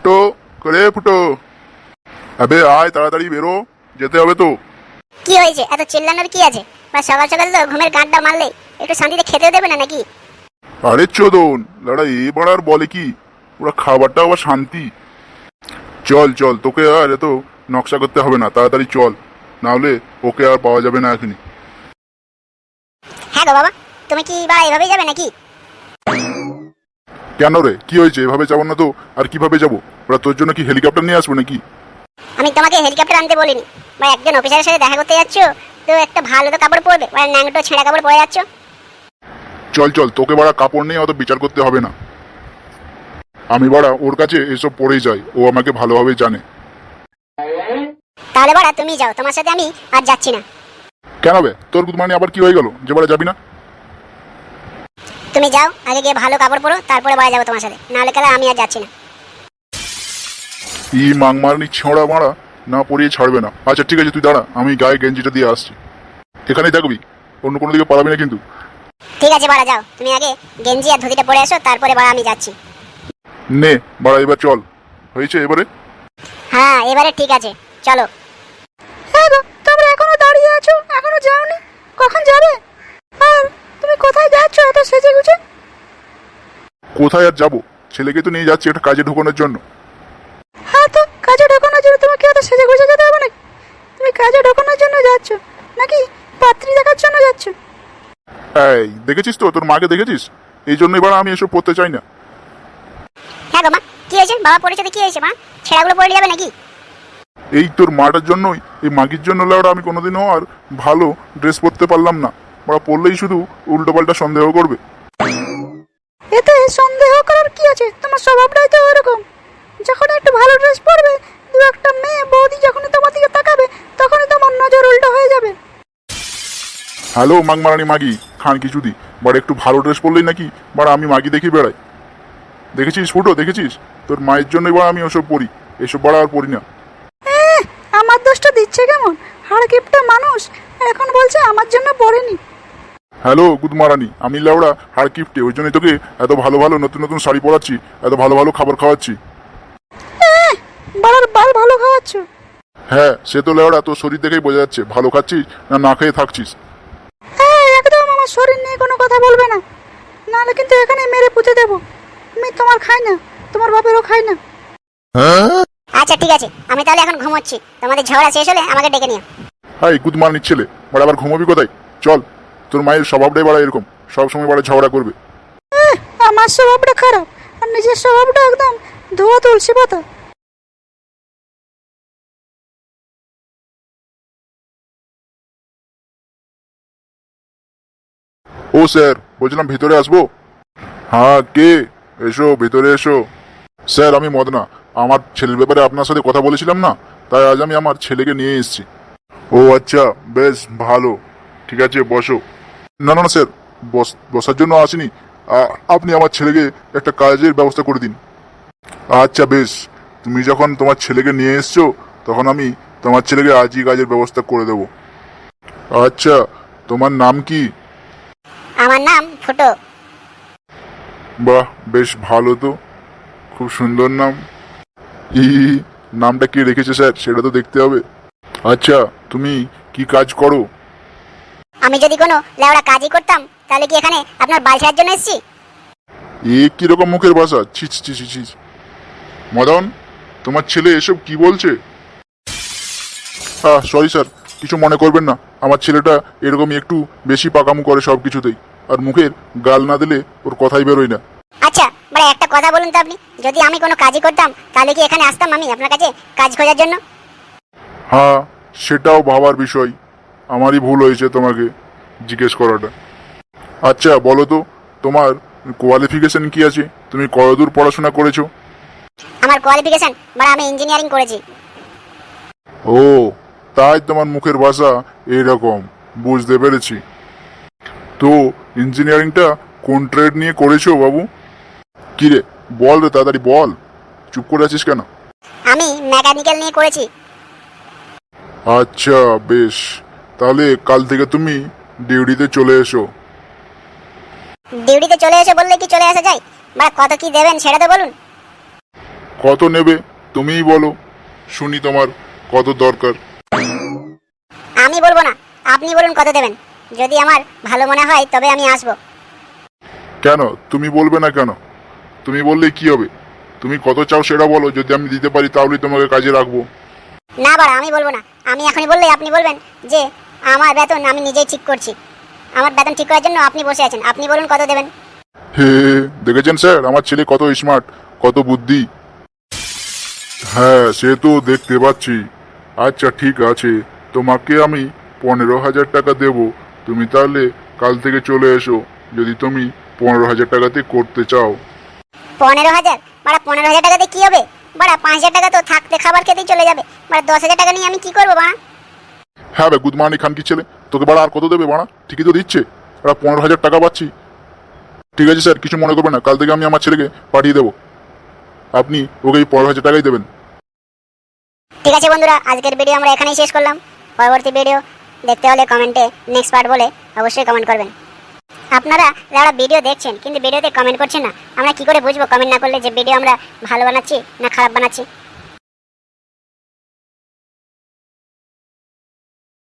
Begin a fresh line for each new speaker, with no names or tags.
ফুটো করে ফুটো, আবে আয় তাড়াতাড়ি বেরো, যেতে হবে তো।
কি হয়েছে, এত চিল্লানোর কি আছে? বা সকাল সকাল তো ঘুমের গাঁটটা মারলে একটু শান্তিতে খেতে দেবে না নাকি?
আরে চোদন লড়া, এবার আর বলে কি, ওরা খাবারটা আবার শান্তি। চল চল, তোকে আর এত নকশা করতে হবে না, তাড়াতাড়ি চল, না হলে ওকে আর পাওয়া যাবে না এখনই।
হ্যাঁ গো বাবা, তুমি কি বা এভাবেই যাবে নাকি?
কেন রে, কি হয়েছে? এভাবে যাবো না তো আর কিভাবে যাবো? ওরা তোর জন্য কি হেলিকপ্টার নিয়ে আসবো নাকি?
আমি তোমাকে হেলিকপ্টার আনতে বলিনি, বা একজন অফিসারের সাথে দেখা করতে যাচ্ছ তো একটা ভালো তো কাপড় পরবে, বা ন্যাংটো ছেঁড়া কাপড় পরে যাচ্ছ।
চল চল, তোকে বাড়া কাপড় নিয়ে অত বিচার করতে হবে না। আমি বাড়া ওর কাছে এসব পরেই যাই, ও আমাকে ভালোভাবে জানে।
তাহলে বাড়া তুমি যাও, তোমার সাথে আমি আর যাচ্ছি না।
কেন বে, তোর মানে আবার কি হয়ে গেল যে বাড়া যাবি না?
তুমি যাও, আগে গিয়ে ভালো কাপড় পরো, তারপরে বাড়া যাবো তোমার সাথে, নাহলে কেলা আমি আর যাচ্ছি না।
ই মাংমারনি ছোঁড়া মারা না পরিয়ে ছাড়বে না। আচ্ছা ঠিক আছে, তুই দাঁড়া, আমি গায়ে গেঞ্জিটা দিয়ে আসছি। এখানেই থাকবি, অন্য কোনো দিকে পালাবি না কিন্তু।
ঠিক আছে বাড়া যাও, তুমি আগে গেঞ্জি আর ধুতিটা পরে এসো, তারপরে বাড়া আমি যাচ্ছি।
নে বাড়া, এবার চল। হয়েছে এবারে?
হ্যাঁ এবারে ঠিক আছে, চলো।
হ্যাঁ গো, তোমরা এখনো দাঁড়িয়ে আছো, এখনো যাওনি? কখন যাবে? আর তুমি কোথায় যাচ্ছ এত সেজে গুজে?
কোথায় আর যাবো, ছেলেকে তো নিয়ে যাচ্ছি একটা কাজে ঢোকানোর জন্য।
হ্যাঁ, তো কাজে ঢোকানোর জন্য তোমাকে এত সেজে গুজে যেতে হবে নাকি? তুমি কাজে ঢোকানোর জন্য যাচ্ছ নাকি পাত্রী দেখার জন্য যাচ্ছ?
এই দেখেছিস তো, তোর মাকে দেখেছিস? এই জন্য এবার আমি এসব পড়তে চাই না।
হ্যাঁ গো মা, কি হয়েছে? বাবা পড়েছে তো কি হয়েছে মা? ছেঁড়াগুলো পরে যাবে নাকি?
এই তোর মাটার জন্যই, এই মাগির জন্য লাউডা আমি কোনোদিনও আর ভালো ড্রেস পরতে পারলাম না। ওরা পরলেই শুধু উল্টোপাল্টা সন্দেহ করবে।
এতে সন্দেহ করার কি আছে? তোমার স্বভাবটাই তো ওরকম। যখন একটু ভালো ড্রেস পরবে, দু একটা মেয়ে বৌদি যখনই তোমার দিকে তাকাবে, তখনই তোমার নজর উল্টো হয়ে যাবে।
হ্যালো মাগমারানি মাগি খান কিছুদি, বাট একটু ভালো ড্রেস পরলেই নাকি বাট আমি মাগি দেখি বেড়াই। দেখেছিস ফুটো, দেখেছিস? তোর মায়ের জন্য এবার আমি ওসব পরি, এসব বাড়া আর পরি না।
আমার দোষটা দিচ্ছে কেমন? হাড় কিপটা মানুষ এখন বলছে আমার জন্য পড়েনি।
হ্যালো গুদমারানি, আমি লাউড়া হাড় কিপটে, ওই জন্যই তোকে এত ভালো ভালো নতুন নতুন শাড়ি পরাচ্ছি, এত ভালো ভালো খাবার খাওয়াচ্ছি।
বাড়ার বাল ভালো খাওয়াচ্ছ?
হ্যাঁ সে তো লাউড়া তোর শরীর দেখেই বোঝা যাচ্ছে ভালো খাচ্ছিস না না খেয়ে থাকছিস।
হ্যাঁ, একদম আমার শরীর নিয়ে কোনো কথা বলবে না, নাহলে কিন্তু এখানে মেরে পুঁতে দেবো। আমি তোমার খাই না, তোমার বাপেরও খাই না।
আচ্ছা ঠিক আছে, আমি তাহলে এখন ঘুমোচ্ছি, তোমাদের ঝগড়া শেষ হলে আমাকে ডেকে নিও।
হাই গুদমারানির ছেলে, বাড়া আবার ঘুমোবি কোথায়? চল, তোর মায়ের স্বভাবটাই বাড়া এরকম, সবসময় বাড়া ঝগড়া করবে।
আমার স্বভাবটা খারাপ, আর নিজের স্বভাবটা একদম ধোয়া তুলসী পাতা।
ও স্যার, বলছিলাম ভিতরে আসবো? হ্যাঁ কে? এসো ভিতরে এসো। স্যার আমি মদনা, আমার ছেলের ব্যাপারে আপনার সাথে কথা বলেছিলাম না, তাই আজ আমি আমার ছেলেকে নিয়ে এসেছি। ও আচ্ছা, বেশ ভালো, ঠিক আছে বসো। না না না স্যার, বসার জন্য আসিনি, আপনি আমার ছেলেকে একটা কাজের ব্যবস্থা করে দিন। আচ্ছা বেশ, তুমি যখন তোমার ছেলেকে নিয়ে এসছো, তখন আমি তোমার ছেলেকে আজই কাজের ব্যবস্থা করে দেবো। আচ্ছা, তোমার নাম কি?
আমার নাম ফুটো।
বাহ, বেশ ভালো তো, খুব সুন্দর নাম। ই, নামটা কে রেখেছে স্যার সেটা তো দেখতে হবে। আচ্ছা, তুমি কি কাজ করো?
আমি যদি কোনো লেওড়া কাজই করতাম, তাহলে কি এখানে আপনার বাল ছেঁড়ার জন্য এসেছি?
এ কিরকম মুখের ভাষা, ছিচ ছিচ ছিচ। মদন, তোমার ছেলে এসব কি বলছে? সরি স্যার, কিছু মনে করবেন না, আমার ছেলেটা এরকমই একটু বেশি পাকামু করে সব কিছুতেই, আর মুখের গাল না দিলে ওর কথাই বেরোয় না।
আচ্ছা মানে একটা কথা বলুন তো আপনি, যদি আমি কোনো কাজই করতাম তাহলে কি এখানে আসতাম আমি আপনার কাছে কাজ খোঁজার জন্য?
হ্যাঁ, সেটাও ভাবার বিষয়, আমারই ভুল হয়েছে তোমাকে জিজ্ঞেস করাটা। আচ্ছা বলো তো, তোমার কোয়ালিফিকেশন কি আছে? তুমি কতদূর পড়াশোনা করেছো?
আমার কোয়ালিফিকেশন মানে আমি ইঞ্জিনিয়ারিং করেছি।
ও, তাই তোমার মুখের ভাষা এইরকম, বুঝতে পেরেছি। তো ইঞ্জিনিয়ারিংটা কোন ট্রেড নিয়ে করেছো বাবু? কি রে, বল রে তাড়াতাড়ি বল, চুপ করে আছিস কেন?
আমি মেকানিক্যাল নিয়ে করেছি।
আচ্ছা বেশ, তাহলে কাল থেকে তুমি ডিউটিতে চলে এসো।
ডিউটিতে চলে এসে বললে কি চলে আসা যায়? বা কত কি দেবেন সেটা তো বলুন।
কত নেবে তুমিই বলো, শুনি তোমার কত দরকার।
আমি বলবো না, আপনি বলুন কত দেবেন। যদি আমার ভালো মনে হয় তবে আমি আসবো।
কেন তুমি বলবে না কেন? তুমি বললে কি হবে? তুমি কত চাও সেটা বলো, যদি আমি দিতে পারি তাহলেই তোমাকে কাজে রাখবো।
না বাড়া, আমি বলবো না। আমি এখনই বললে আপনি বলবেন যে আমার বেতন আমি নিজেই ঠিক করছি। আমার বেতন ঠিক করার জন্য আপনি বসে আছেন। আপনি বলুন কত দেবেন।
হে, দেখেছেন স্যার আমার ছেলে কত স্মার্ট, কত বুদ্ধি। হ্যাঁ সে তো দেখতে পাচ্ছি। আচ্ছা ঠিক আছে, তোমাকে আমি 15,000 টাকা দেব। তুমি তাহলে কাল থেকে চলে এসো, যদি তুমি 15,000 টাকাতে করতে চাও।
15,000? বাড়া 15,000 টাকাতে কি হবে? বাড়া 5,000 টাকা তো থাকতে খাবার খেতেই চলে যাবে। বাড়া 10,000 টাকা নিয়ে আমি কি করবো বাড়া?
হ্যাঁ বে গুদমানি খান কি ছেলে, তোকে বাড়া আর কত দেবে বাড়া? ঠিকই তো দিচ্ছে, বাড়া 15,000 টাকা পাচ্ছি। ঠিক আছে স্যার, কিছু মনে করবেন না, কাল থেকে আমি আমার ছেলেকে পাঠিয়ে দেবো। আপনি ওকে এই 15,000 টাকাই দেবেন।
ঠিক আছে বন্ধুরা, আজকের ভিডিও আমরা এখানেই শেষ করলাম। পরবর্তী ভিডিও দেখতে হলে কমেন্টে নেক্সট পার্ট বলে অবশ্যই কমেন্ট করবেন। আপনারা যারা ভিডিও দেখছেন কিন্তু ভিডিওতে কমেন্ট করছেন না, আমরা কি করে বুঝবো কমেন্ট না করলে যে ভিডিও আমরা ভালো বানাচ্ছি না খারাপ বানাচ্ছি?